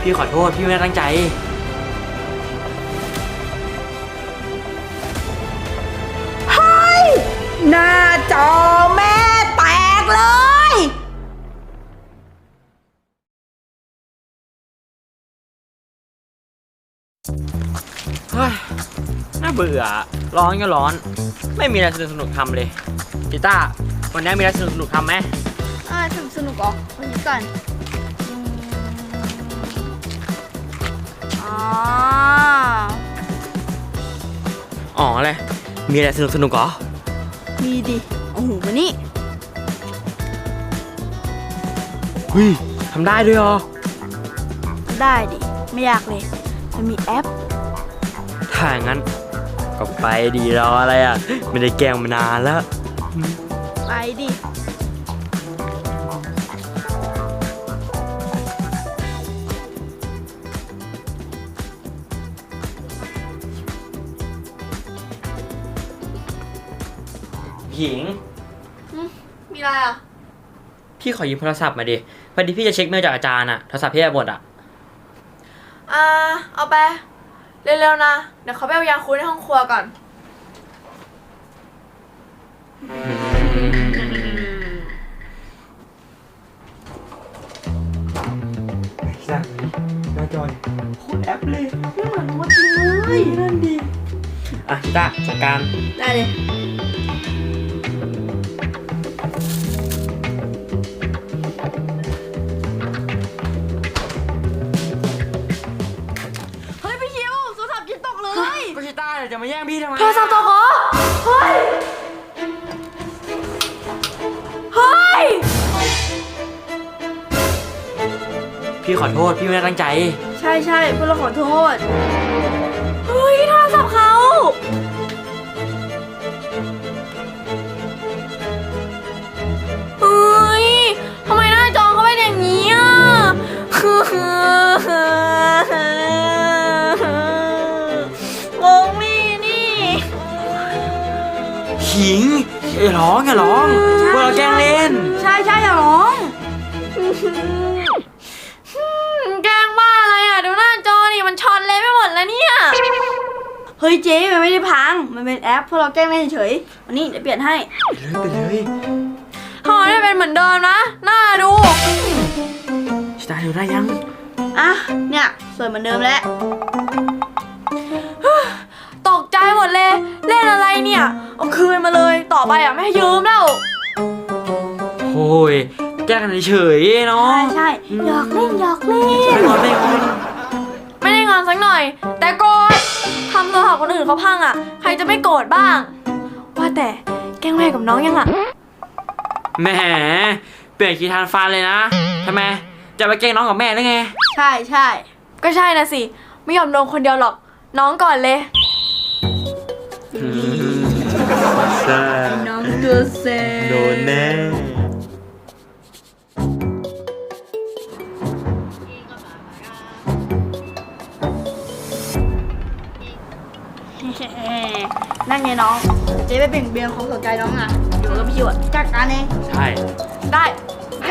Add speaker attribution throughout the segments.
Speaker 1: พี่ขอโทษพี่ไม่ได้ตั้งใจ
Speaker 2: เฮ้ยหน้าจอแม่แตกเลย
Speaker 1: เฮ้ยน่าเบื่อร้อนก็ร้อนไม่มีอะไรสนุกทำเลยกีตาร์วันนี้มีอะไรสนุกทำไหม
Speaker 2: สนุกเหรอวันนี้ก่อน
Speaker 1: อ๋ออะไรมีอะไรสนุกเหรอ
Speaker 2: มีดิโอ้โหมานี่
Speaker 1: เฮ้ยทำได้ด้วยเหรอ
Speaker 2: ได้ดิไม่ยากเลยมันมีแอป
Speaker 1: ถ้างั้นก็ไปดีรออะไรอ่ะไม่ได้แกล้งมานานแล้ว
Speaker 2: ไปดิ
Speaker 1: หญิง
Speaker 2: มีอะไรอ่ะ
Speaker 1: พี่ขอยืมโทรศัพท์มาดิพอดีพี่จะเช็คเมลจากอาจารย์อ่ะโทรศัพท์พี่หมดอ่ะ
Speaker 2: เอาไปเร็วๆนะเดี๋ยวเขาไปเอายาคูลในห้องครัวก่อน
Speaker 1: สั่งหน้าจอยโคตรแอปเลย
Speaker 2: ไม่เหมือนตัวจริงเลย
Speaker 1: นั่นดีอ่ะตาจัดการ
Speaker 2: ได้เลยเฮ้ยพี่คิวโทรศัพท์กินตกเลย
Speaker 1: ก็ชิต้าจะมาแย่งพี่ทำไม
Speaker 2: โทรศัพท์ตกเหรอเฮ้ยเฮ้ย
Speaker 1: พี่ขอโทษพี่ไม่ได้ตั้งใจ
Speaker 2: ใช่พวกเราขอโทษเฮ้ยโทรศัพท์เขาเฮ้ยทำไมหน้าจอเขาเป็นอย่างนี้อ่ะงงนี่
Speaker 1: หิงอย่าร้องพวกเราแกล้งเล่น
Speaker 2: ใช่อย่าร้องแกล้งบ้าอะไรอ่ะดูหน้าจอนี่มันช็อตเลยไม่หมดแล้วเนี่ยเฮ้ยเจ๊มันไม่ได้พังมันเป็นแอปพวกเราแกล้งเล่นเฉยวันนี้เดี๋ยวเปลี่ยนให้
Speaker 1: ไปเลย
Speaker 2: ห่อได้เป็นเหมือนเดิมนะน่าดู
Speaker 1: ชิต้าดูได้ยัง
Speaker 2: อ่ะเนี่ยสวยเหมือนเดิมแล้วตกใจหมดเลยเล่นอะไรเนี่ยเอาคืนมาเลยต่อไปอ่ะไม่ให้ยืมแล้ว
Speaker 1: โอ้ยแกล้งกันเฉยเนาะ
Speaker 2: ใช่หยอกเล่น
Speaker 1: ไม่
Speaker 2: ได้งอนสักหน่อยแต่โกรธทำโทรศัพท์คนอื่นเขาพังอ่ะใครจะไม่โกรธบ้างว่าแต่แกล้งแม่กับน้องยังอ่ะ
Speaker 1: แหมเปลี่ยนคีย์ทานฟันเลยนะทำไมจะไปแกล้งน้องกับแม่ได้ไง
Speaker 2: ใช่ก็ใช่นะสิไม่ยอมโดนคนเดียวหรอกน้องก่อนเลยน้องตัวเซ่
Speaker 1: โดนแน่
Speaker 2: นั่นไงน้องเจ๊ไปเบ่งเบียงความสนใจน้องอ่ะอยู่กับพี่อ่ะจัดการเอง
Speaker 1: ใช่
Speaker 2: ได้ไป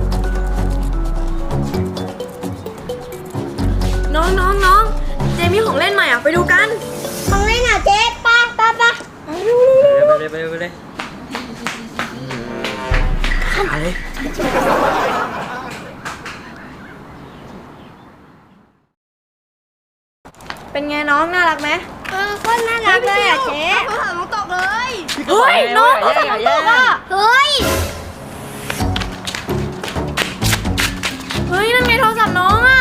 Speaker 2: น้องเจ๊มีของเล่นใหม่อ่ะไปดูกัน
Speaker 3: ของเล่นอ่ะเจ๊ป้า
Speaker 1: ไปเลยอะไร
Speaker 2: เป็นไงน้องน่ารักไหม
Speaker 3: คนน่ารักเลยอ่ะเจ๊
Speaker 2: โทรศัพท์น้องตกเลยเฮ้ยน้องโทรศัพท์น้องตกอ่ะ
Speaker 3: เฮ้ย
Speaker 2: นั่นไงโทรศัพท์น้องอ่ะ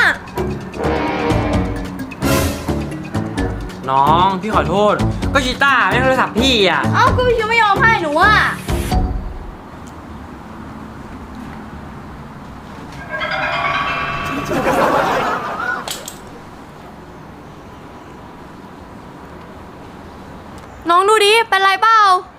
Speaker 1: น้องพี่ขอโทษก็ชิต้าไม่โทรศัพท์พี่อ่ะ
Speaker 2: เอ้าก็พี่ไม่ยอมให้หนูอ่ะน้องดูดิเป็นไรเปล่า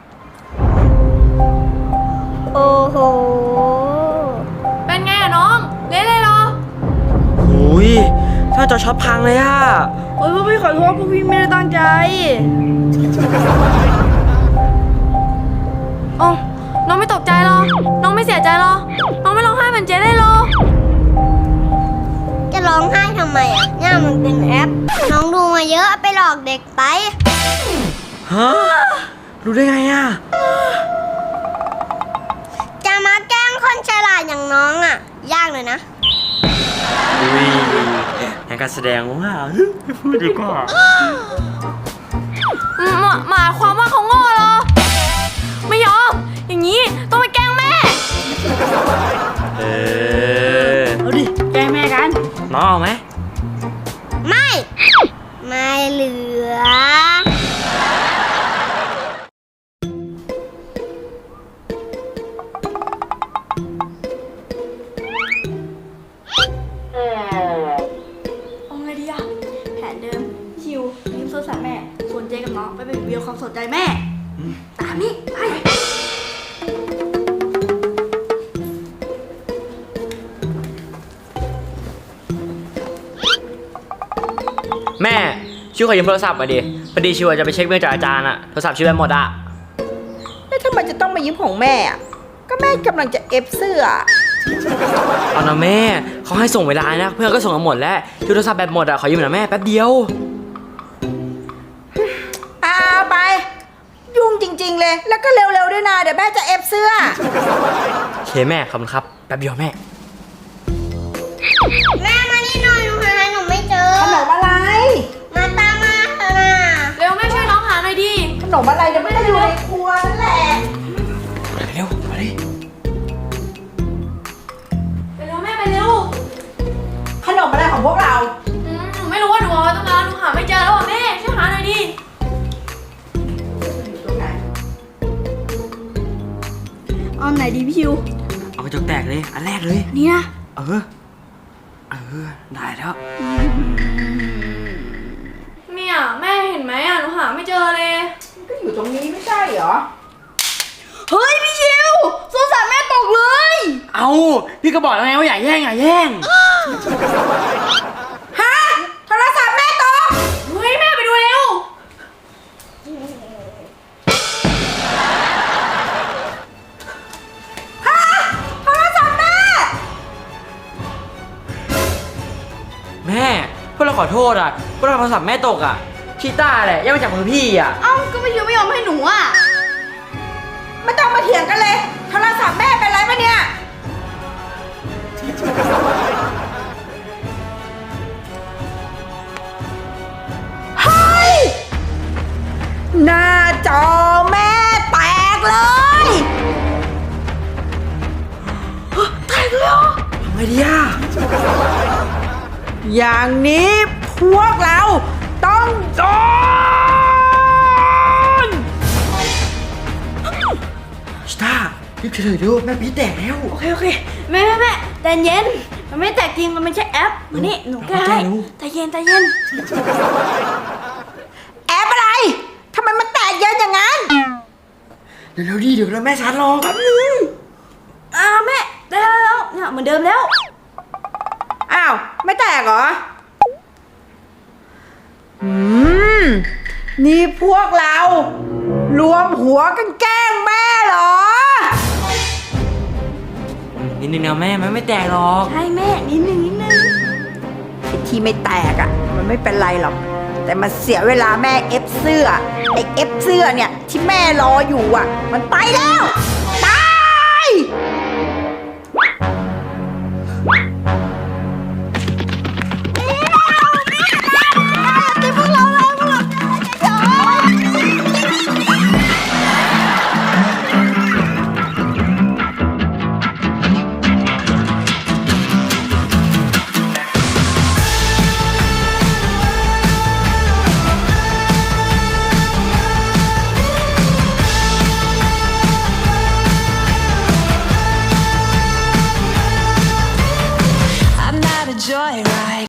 Speaker 3: โอ้โห
Speaker 2: เป็นไงอะน้องเละเลยเหรอ
Speaker 1: โอ้ยถ้าจอช็อปพังเลยอะ
Speaker 2: โอ้ยพวกพี่ขอโทษพวกพี่ไม่ได้ตั้งใจโอ้น้องไม่ตกใจหรอน้องไม่เสียใจหรอน้องไม่ร้องไห้เหมือนเจ๊ได้หรอ
Speaker 3: จะร้องไห้ทำไมอ่ะเนี่ยมันเป็นแอป น้องดูมาเยอะไปหลอกเด็กไป
Speaker 1: ฮะรู้ได้ไงอ่ะ
Speaker 3: จะมาแกล้งคนฉลาดอย่างน้องอ่ะ ยากเลยนะ
Speaker 1: อุ้ยในการแสดงว่าไม่พูดดีกว่า
Speaker 2: หมายความว่าเขาโง่เหรอ ไม่ยอม อย่างนี้ต้องไปแกล้งแม่
Speaker 1: เออ
Speaker 2: เอาดิ แกล้งแม่กัน
Speaker 1: น้องเอาไหม
Speaker 3: ไม่ ไม่เหลือ
Speaker 2: เอาไงดีอะแผนเดิมชิวยืมโทรศัพท์แม่ ส่วนเจกับน้องไปเป็นวิวความสนใจแม่ ตามนี้ไป
Speaker 1: แม่ชิวขอยืมโทรศัพท์มาดิพอดีชิวจะไปเช็คเรื่องจากอาจารย์อะโทรศัพท์ชิวไปหมดอะ
Speaker 4: แล้วทำไมจะต้องมายืมของแม่อะก็แม่กำลังจะเอฟเสื้อ
Speaker 1: เอานะแม่เขาให้ส่งเวลานะเพื่อนก็ส่งกันหมดแล้วชิวโทรศัพท์แบตหมดอะขอยืมหน่อยแม่แป๊บเดียว
Speaker 4: เอาไป ยุ่งจริงๆเลย แล้วก็เร็วๆด้วยนะ เดี๋ยวแม่จะเอฟเสื้อ
Speaker 1: โอเคแม่ขอบคุณครับแป๊บเดียวแม่
Speaker 3: แม่มานี่หน่อยหนูหาหนูไม่เจอ
Speaker 4: ขนมอะไร
Speaker 3: มาตามมาเถอะนะ
Speaker 2: เร็วแม่ช่วยน้องหาหน่อยดิ
Speaker 4: ขนมอะไรเดี๋ยวแม่อยู่ในครัวนั่นแหละ
Speaker 1: ไปเร็วมาดิ
Speaker 2: ไปเร็วแม่ไปเร็ว
Speaker 4: ขนมอะไรของพวกเรา
Speaker 2: หนูไม่รู้ว่าหนูเอาไว้ตรงนั้นหนูหาไม่เจอแล้วอ่ะแม่ช่วยหาหน่อยดิ
Speaker 4: อยู่ตรงไหน
Speaker 2: เอาไหนดีพี่ชิว
Speaker 1: เอากระจกแตกเลยอันแรกเลย
Speaker 2: นี่นะ
Speaker 1: เออได้แล้ว
Speaker 2: เนี่ยแม่เห็นไหมอ่ะหนูหาไม่เจอเลย
Speaker 4: มันก็อยู่ตรงนี้ไม่ใช่เหรอ
Speaker 2: เฮ้ยพี่ชิวโทรศัพท์แม่ตกเลย
Speaker 1: เอาพี่ก็บอกแล้วไงว่าอย่าแย่งอย่าแย่ง
Speaker 4: ฮะ โทรศัพท์แม่ตก
Speaker 2: เฮ้ยแม่ไปดูเร็ว
Speaker 4: ฮะ โทรศัพท์แม่
Speaker 1: แม่พวกเราขอโทษอ่ะพวกเราโทรศัพท์แม่ตกอ่ะชีต้าแหละแย่งมาจากมือพี่อ่ะ
Speaker 2: เอ้าก็พี่ชิวไม่ยอมให้หนูอ่ะ
Speaker 4: ไม่ต้องมาเถียงกันเลย โทรศัพท์แม่เป็นไรปะเนี่ย เฮ้ย หน้าจอแม่แตกเลย
Speaker 2: แตกเลยเหรอ
Speaker 1: ทำไงดีอ่ะ
Speaker 4: อย่างนี้พวกเราต้องโดน
Speaker 1: ชีต้ารีบเฉยๆดูแม่พี่แตกแล้ว
Speaker 2: โอเคแม่ใจเย็นมันไม่แตกจริงมันไม่ใช่แอปมานี่หนูแก้ให้ใจเย็น
Speaker 4: แอปอะไร ทำไมมันแตกเยอะอย่างนั้น
Speaker 1: เร็วๆดิเดี๋ยวแม่ชาร์จรอแป๊บนึง
Speaker 2: แม่ได้แล้วเนี่ยเหมือนเดิมแล้ว
Speaker 4: อ้าว ไม่แตกเหรอ นี่พวกเรา รวมหัวกันแกล้งแม่เหรอ
Speaker 1: นิดนึงนะแม่มันไม่แตกหรอก
Speaker 2: ใช่แม่นิดนึง
Speaker 4: ไอ้ที่ไม่แตกอ่ะ มันไม่เป็นไรหรอก แต่มันเสียเวลาแม่เอฟเสื้อไอ้เอฟเสื้อเนี่ย ที่แม่รออยู่อ่ะ มันไปแล้ว ตาย